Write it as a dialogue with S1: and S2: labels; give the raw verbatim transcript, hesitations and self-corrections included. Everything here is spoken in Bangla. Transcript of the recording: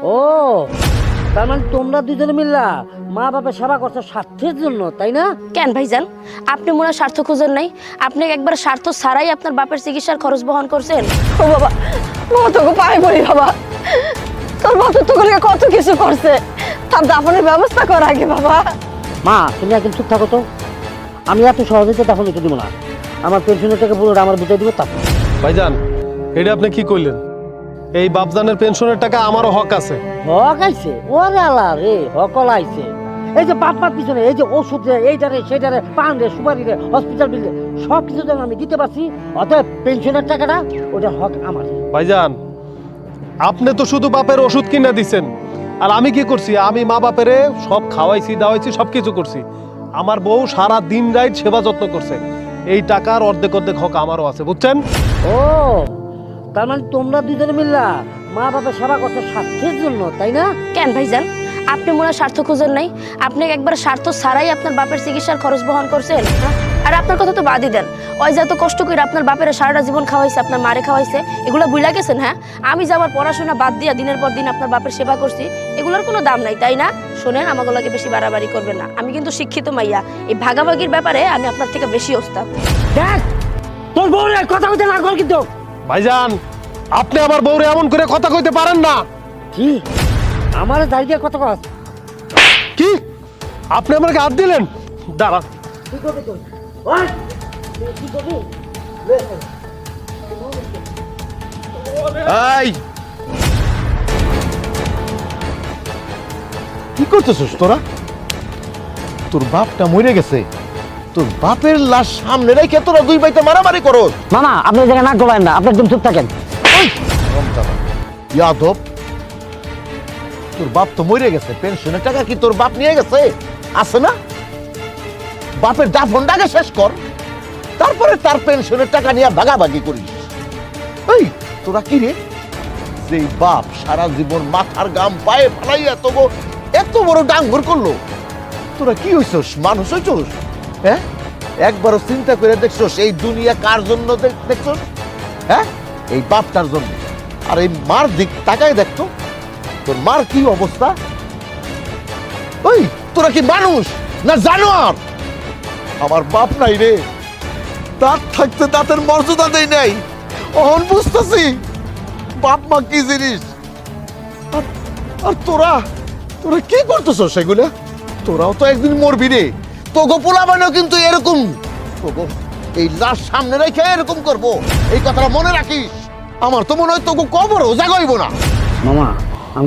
S1: ও তার মানে তোমরা দুজনে মিল্লা মা বাবার সেবা করছো স্বার্থের জন্য, তাই না?
S2: কেন ভাইজান, আপনি মনে হয় স্বার্থ খুঁজেন নাই? আপনি একবার স্বার্থ ছাড়াই আপনার বাপের চিকিৎসার খরচ বহন করছেন।
S3: ও বাবা, বাবা তোকে পায়ে পড়ি বাবা, তোর বাপ তো তোকে কত কিছু করছে, তার দাফনের ব্যবস্থা কর আগে বাবা।
S1: মা তুমি একদম চুপ থাকো তো, আমি এত সহজে তো দাফন দিতে দিব না। আমার পেনশনের টাকা পুরোটা আমার বুঝে দিব তারপর।
S4: ভাইজান এটা আপনি কি কইলেন? এই বাপজানের পেনশনের টাকা আমারও হক আছে।
S1: হক আইছে? ওরে আল্লাহ রে, হকল আইছে। এই যে বাপ মার পিছনে এই যে ওষুধ রে, এইটারে সেইটারে, পান রে, সুপারি রে, হসপিটাল বিল রে, সব কিছু যেন আমি দিতে পারছি, অতএব পেনশনের টাকাটা ওটার হক আমার।
S4: ভাইজান আপনি তো শুধু বাপের ওষুধ কিনে দিছেন, আর আমি কি করছি? আমি মা বাপেরে সব খাওয়াইছি দাওয়াইছি সব কিছু করছি। আমার বউ সারা দিন রাত সেবা যত্ন করছে। এই টাকার অর্ধেক অর্ধেক হক আমারও আছে, বুঝছেন?
S1: ও তার মানে তোমরা দুজনে মিল্লা মা বাবার সেবা করছো স্বার্থের জন্য, তাই না?
S2: কেন ভাইজান, আপনি মনে হয় স্বার্থ খুঁজেন নাই? আপনি একবার স্বার্থ ছাড়াই আপনার বাপের চিকিৎসার খরচ বহন করছেন। আর আপনার কথা তো বাদই দেন, ওই যে এত কষ্ট করে আপনার বাপের সারাটা জীবন খাওয়াইছে, আপনার মারে খাওয়াইছে, এগুলো ভুলা গেছেন? হ্যাঁ, আমি যে আমার পড়াশোনা বাদ দিয়া দিনের পর দিন আপনার বাপের সেবা করছি, এগুলোর কোনো দাম নাই, তাই না? শোনেন, আমাগুলোকে বেশি বাড়াবাড়ি করবেন না। আমি কিন্তু শিক্ষিত মাইয়া, এই ভাগাভাগির ব্যাপারে আমি আপনার থেকে বেশি ওস্তাদ।
S1: দেখ তোর বউ কথা কইতে না কর কিন্তু।
S4: ভাইজান আপনি আমার বউরে এমন করে কথা কইতে পারেন না।
S1: কি আমার দাঁড়িয়ে কথা কস?
S4: কি আপনি আমাকে হাত দিলেন? দাঁড়া।
S1: কি করবি তুই? ওই তুই কি করবি?
S5: এই কি করতেছিস তোরা? তোর বাপটা মরে গেছে, তোর বাপের লাশ সামনে রেখে তোরা দুই ভাইতে মারামারি করো।
S1: মামা আপনি এই জায়গায় নাক গলায়েন না, আপনি একদম চুপ থাকেন।
S5: ইয়াদব, তোর বাপ তো মরে গেছে, পেনশনের টাকা কি তোর বাপ নিয়ে গেছে? আছে না? বাপের দাফনটাকে শেষ কর, তারপরে তার পেনশনের টাকা নিয়ে ভাগাভাগি করিস। এই তোরা কি রে, যে বাপ সারা জীবন মাথার গাম পায়ে ফালাইয়া তো এত বড় ডাঙ্গর করলো, তোরা কি হইছস? মানুষ হইছস? হ্যাঁ, একবারও চিন্তা করে দেখছস এই দুনিয়া কার জন্য দেখছস? হ্যাঁ, এই বাপটার জন্য। আর এই মার দিক তাকায় দেখতো, তোর মার কি অবস্থা। ওই তোরা কি মানুষ না জানোয়ার? আমার বাপ নাই রে, দাঁত থাকতে দাঁতের মর্যাদা দেই নাই, অহন বুঝতেছি বাপ মা কি জিনিস। আর- আর তোরা তোরা কি করতেছ সেগুলো? তোরাও তো একদিন মরবি রে, তোগো পোলা বানাও কিন্তু এরকম, তোগো এই লাশ সামনে রেখে এরকম করবো, এই কথাটা মনে রাখিস। আমার তো মনে হয় তোকে কবরও জাগাইব না।
S1: মামা